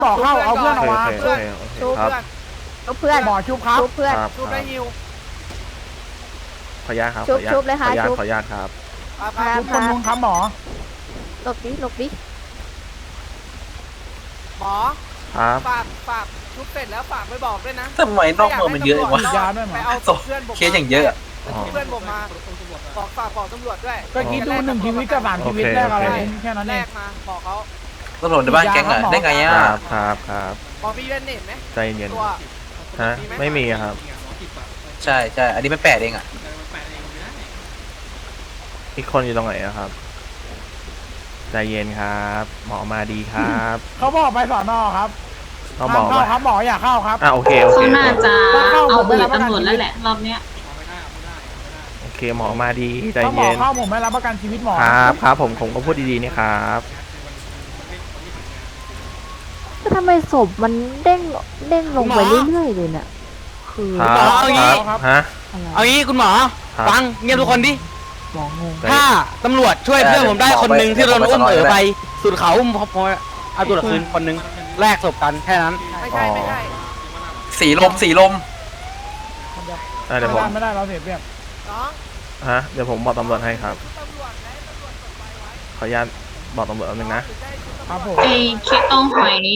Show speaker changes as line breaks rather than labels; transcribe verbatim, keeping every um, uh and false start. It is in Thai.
ต่อเข้าเอาเพื่อนออกมา
โอเค
เพื่อน
โอเค
ชุบ
ครับ
ชุบเพื่อน
หมอชุบครับ
ชุบเพื่อน
ครับ
ชุบได้ฮิว
ขออนุญาตครับ
ชุ
ขอบ อนุญาต
ชุบเลย
ขอ
ค่ะ
อนุญาต
ชุบ
ขออนุญาตครับ
ครับ
ครับ
ชุบคนลุงครับหมอ
หลบดิหลบดิ
หมอ
ครับ
ฝากฝากชุบเสร็จแล้วฝากไปบอกด้วยนะ
ทำไมนอกเมืองมันเยอะจังวะ
ยาด้วยหมอ
ไปเอา
ศพ
เพื่อนผม
เคสอย่างเยอะอะ
เพื่อนผมมาบอกฝากบอกตำรวจด้วย
ก็คิดดูหนึ่งชีวิตกับสามชีวิตแรกอะไรแค่นั้น
แร
เอง
กมาบอกเขา
ตำรวจในบ้านแก๊งอะได้ไง
ค
อ่ะ
รับครับครับ
หมอมีเวนเน็ตไหม
ใจเย็น
ตัว
ฮะไม่มีครับ
ใช่ใช่อันนี้มันแปดเองอ่ะ
อีกคนอยู่ตรงไหนอะครับใจเย็นครับ หมอมาดีครับ
เขาบอกไปสอนอครับ
ต้องบอก
เข้า
ว่า
ครับหมออยากเข้าครับ
อ่ะโอเคโอเค
เขาน่าจะ
เข้า
เอา
ผมไม่
เบื่
รั
อบ
ประกัน
ตำรวจแล้วแหละรอบเนี้ย
โอเคหมอมาดีใจ
ถ้าหมอ
เย็น
เข้าผมไม่รับประกันชีวิตหมอ
ครับครับผมผมก็พูดดีๆนี่ครับ
ก็ทำไมศพมันเด้งเด้งลงไปเรื่อยๆเลยเนี่ยคือ
ครับ
เอางี้
ครับฮะ
อะไร
เอางี้คุณหมอ
ครับ
ฟังเงียบทุกคนดิ
หมองง
ถ้าตำรวจช่วยเพื่อนผมได้คนหนึ่งที่โดนอุ้มเหอไปสุดเขาอุ้มพอพอเอาตัวคืนคนหนึ่งแลกศพกันแค่นั้น
ไม่ใช่ไม่ใช่
สีลมสีลม
อ่ะเดี๋ยวผม
ไม่ได้เราเสียเปรียบ
น้อง
ฮะเดี๋ยวผมบอกตำรวจให้ครับ
ตำรวจไหนตำรวจกดไฟไว้
ขออนุญาตบอกตำรวจแป๊บนึงนะ
ถึงได้ชุบ
ครับผม
ไอเคสต้องหอย